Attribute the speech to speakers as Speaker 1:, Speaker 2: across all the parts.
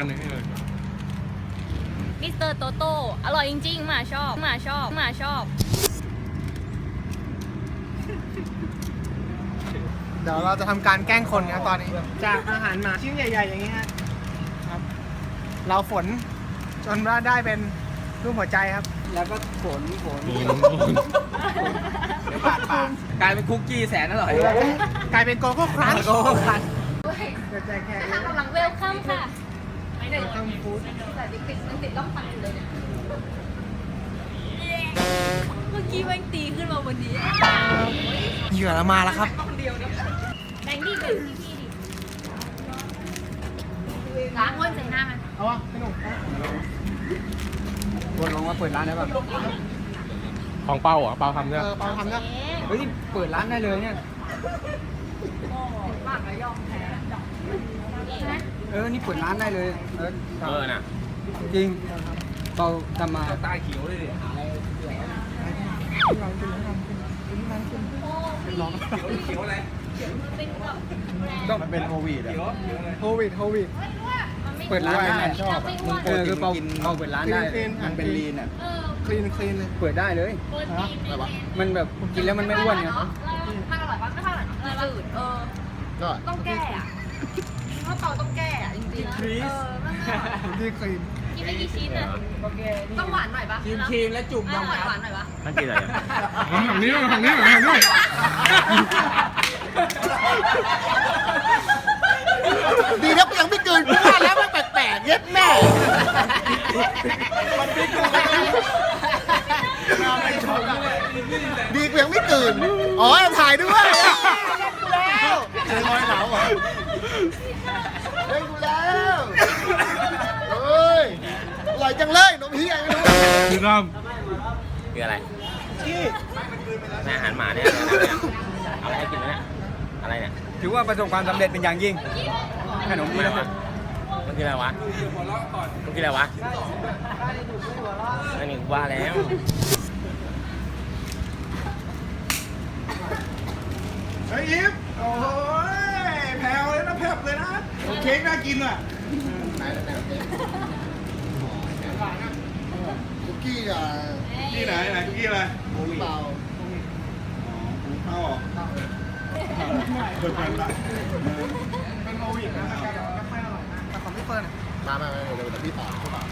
Speaker 1: อันนึงให้เลย
Speaker 2: มิสเตอร์โตโต้อร่อยจริงๆหมาชอบหมาชอบหมาชอบ
Speaker 3: เดี๋ยวเราจะทำการแกล้งคนครับตอนนี้จากอาหารหมาชิ้นใหญ่ๆอย่างนี้ครับ เราฝนจนว่าได้เป็นรูปหัวใจครับ
Speaker 4: แล้วก็ฝนเดี๋ยวปาดกลายเป็นคุกกี้แสนอร่อย
Speaker 3: กลายเป็นโกโก้ครันช์
Speaker 4: โกโก้ครันช์
Speaker 3: เดี๋ยวแจกแขก
Speaker 2: กำลังเวลคัมค่ะไม่ได้
Speaker 3: ต้องมีฟู้ด
Speaker 2: แต่ติดล่องตันอยู่เลยเนี่ยเมื่อกี้แม่งตีขึ้นมาวันนี้
Speaker 3: เหยื่อเรามาแล้วครับ
Speaker 2: แบงค์ดิพี่ดิล้างก้นใส่หน้ามัน
Speaker 3: เอาวะพี่หนุ่ม
Speaker 4: วนลงมาเปิดร้านได้ป่ะ
Speaker 1: ของเปาอ่ะเปาทำเนี่ย
Speaker 3: เปาทำนะ
Speaker 4: เฮ้ยเปิดร้านได้เลยเนี่ยนี่เปิดร้านได้เลย
Speaker 1: น่ะ
Speaker 4: จริงเปาทำมา
Speaker 1: ใต้เขียวเลยดิ เขียวอะไร
Speaker 4: มันเป็นโควิดอ่ะ
Speaker 3: โควิด
Speaker 4: เปิดร้านได้
Speaker 3: ชอบ
Speaker 4: คือเปาเปิดร้านได้ มันเป็นลีนอ่ะ
Speaker 3: คลีนเลย
Speaker 4: เปิดได้เลย มันแบบกินแล้วมันไม่อ้วนไง
Speaker 2: มันอร่อยปะไม่เท่าไหร่จืดต้องแก้อ่ะเพราะเปาต้องแก้อ่ะจริงๆ
Speaker 3: ที่คลีน
Speaker 2: กินไปกี่ชิ้นอ่ะต้องหวานหน่อยปะ
Speaker 4: ครีมและจุ่ม
Speaker 2: ต้องหวานหน่อยปะ
Speaker 1: นั่นกินอะไรฝั่งนี้ฝั่งนี้ฝั่งนี้
Speaker 3: ดีนะยังไม่เกินกูว่าแล้วมันแปลกๆเย็ดแม่ดีกูยังไม่เกินอ๋อถ่ายด้วยแล้วเจอรอยเหลาเหรอเฮ้ยกูแล้วเฮ้ยอร่อยจังเลยนมเฮียไม่รู้
Speaker 1: คือน้
Speaker 5: คืออะไร
Speaker 3: ที่
Speaker 5: อาหารหมาเนี่ยเอาอะไรให้กินเนี่ยอะไรเนี่ย
Speaker 4: ถือว่าประสบความสำเร็จเป็นอย่างยิ่งขนม
Speaker 5: มัน
Speaker 4: นี้
Speaker 5: อะไรวะมันคืออะไรวะมันคืออะไรวะนั่นนี่ว่าแล้ว
Speaker 6: เฮ้ยยิปโอ้ยแผ่วเลยนะแผ่วเลยนะเค้กน่ากินอ่ะ
Speaker 3: คุกกี้อ่ะ
Speaker 6: ที่ไหนคุกกี้อะไร
Speaker 3: เปล่า
Speaker 6: เอาออกเปิดละ
Speaker 3: เป็นโควิดนะไม่ค่อยอร่อยนะแต่ของพี่เฟิร์นมาเดี๋ยวพี่ต่อเข้ามา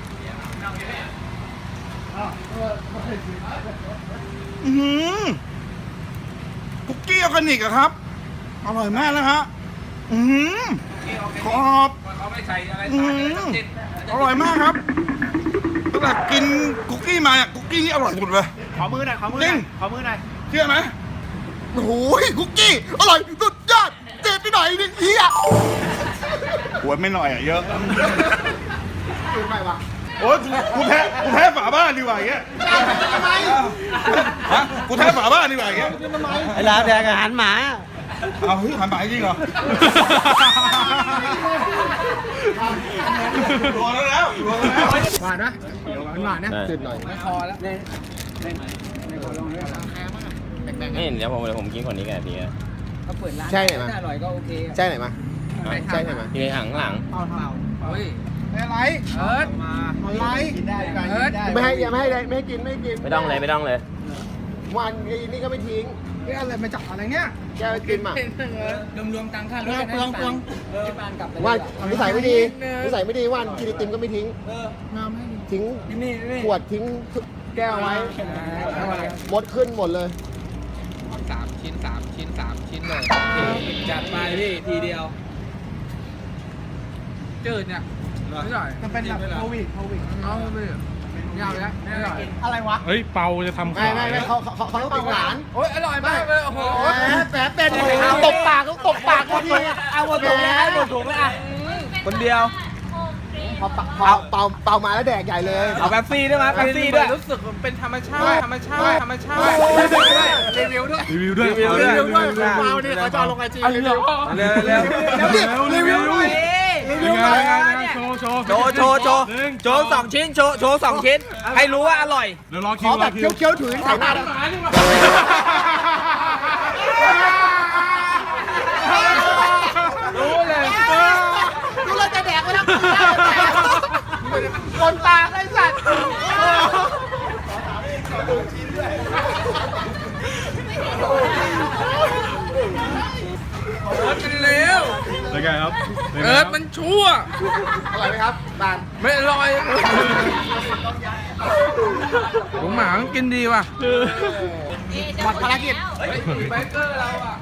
Speaker 6: คุกกี้ออร์แกนิกอะครับ อร่อยมากนะฮะกรอบ
Speaker 1: เขาไม่ใส่อะไร
Speaker 6: อร่อยมากครับตั้งแต่กินคุกกี้มาเนี่ยคุกกี้นี่อร่อยสุดเลย
Speaker 3: ขอมือหน่อยขอมือหน่อย
Speaker 6: เชื่อไหม
Speaker 3: โอ้โหคุกกี้อร่อยสุดยอดเจ็บไปหน่อยนึงเฮีย
Speaker 6: หัวไม่หน่อยอะเยอะ
Speaker 3: ตื่นไปวะ
Speaker 6: โอ้ยกูแพ้ฝาบ้านดีกว่าอย่างเงี้ย
Speaker 3: ทำไม
Speaker 6: ฮะกูแพ้ฝาบ้านดีกว่าอย่างเงี้ย
Speaker 4: ไอ้ร้านแดงอาหารหมา
Speaker 6: เอาเฮ้ยหันหมาจริงเหรอรัวแล้ว
Speaker 3: หวานนะหวานนะตื่นหน่อย
Speaker 4: ไม่พอแล้วเนี่ยลองด้วย
Speaker 5: นี่เดี๋ยวผมกินคนนี้กันทีนะ
Speaker 4: เขาเปิดร้าน
Speaker 3: ใช่ไหม
Speaker 4: ถ้าอร่อยก็โอเค
Speaker 3: ใช่ไหนมาใช่ไหม
Speaker 5: ทีหลัง
Speaker 4: เฮ้ย
Speaker 3: อะไร
Speaker 4: มา
Speaker 3: อะไร
Speaker 4: กินได้กัน
Speaker 3: ไม่ให้ไม่ให้กินไม่กิน
Speaker 5: ไม่ต้องเลย
Speaker 3: วันนี่ก็ไม่ทิ้งนี่อะไรมาจับอะไรเนี่ยแกไปกินมาร
Speaker 4: วมตังค่ารถ
Speaker 3: เปลือง
Speaker 4: ที่บ้านกลับไป
Speaker 3: ว่านิสัยไม่ดีนิสัยไม่ดีวันกินไอติมก็ไม่ทิ้งทิ้ง
Speaker 4: นี่
Speaker 3: ขวดทิ้งแก้วไว้หมดขึ้นหมดเลย
Speaker 4: 3 ชิ้นเลยจัดไปพี่ทีเดียวจืดเนี่ยไม่อร่อย
Speaker 3: มันเป็นแบบโควิด
Speaker 4: เอาไปยาวแล้วไม่อร่อย
Speaker 3: อะไรวะ
Speaker 1: เฮ้ยเปาจะทำ
Speaker 3: ไม่เขาต้องติดหลาน
Speaker 4: โอ้ยอร่อยมากเลยโอ้โห
Speaker 3: แหมเป็นตบปากเขาตบปากเขาที
Speaker 4: เอาหมดถุงเลยหมดถุงเลยอ่ะคนเดียว
Speaker 3: พอเป่ามาแล้วแดกใหญ่เลย
Speaker 4: เอาแป๊บซี่ด้วยมั้ยแป๊บซี่ด้วยรู้สึกเป็นธรรมชาติรีวิวด้วย
Speaker 1: รีวิวด้วย
Speaker 3: เป่าเนี่ยเขาจะลงไอจีรีวิว
Speaker 4: เร็ว
Speaker 3: รีวิวด้วย
Speaker 1: โชว์
Speaker 4: โชว์2 ชิ้นโชว์2 ชิ้นให้รู้ว่าอร่อย
Speaker 1: เดี๋ยวรอ
Speaker 3: ข
Speaker 1: คิ
Speaker 3: อ
Speaker 1: ว
Speaker 3: แบบเคี้ยวๆถือใส่หน้ารู้เลยจะแดกไปแล้วคนตาไอ้สัตว์
Speaker 4: เอิร์ธมันเลว
Speaker 1: เป็นไงครับ
Speaker 4: เอิร์ธมันชั่ว
Speaker 3: อร่อยไหมครับบาน
Speaker 4: ไม่อร่อยหมูหมามันกินดีว่ะ
Speaker 3: หมดภารกิจ
Speaker 4: เฮ้ยไบเกอร์เราอ่ะ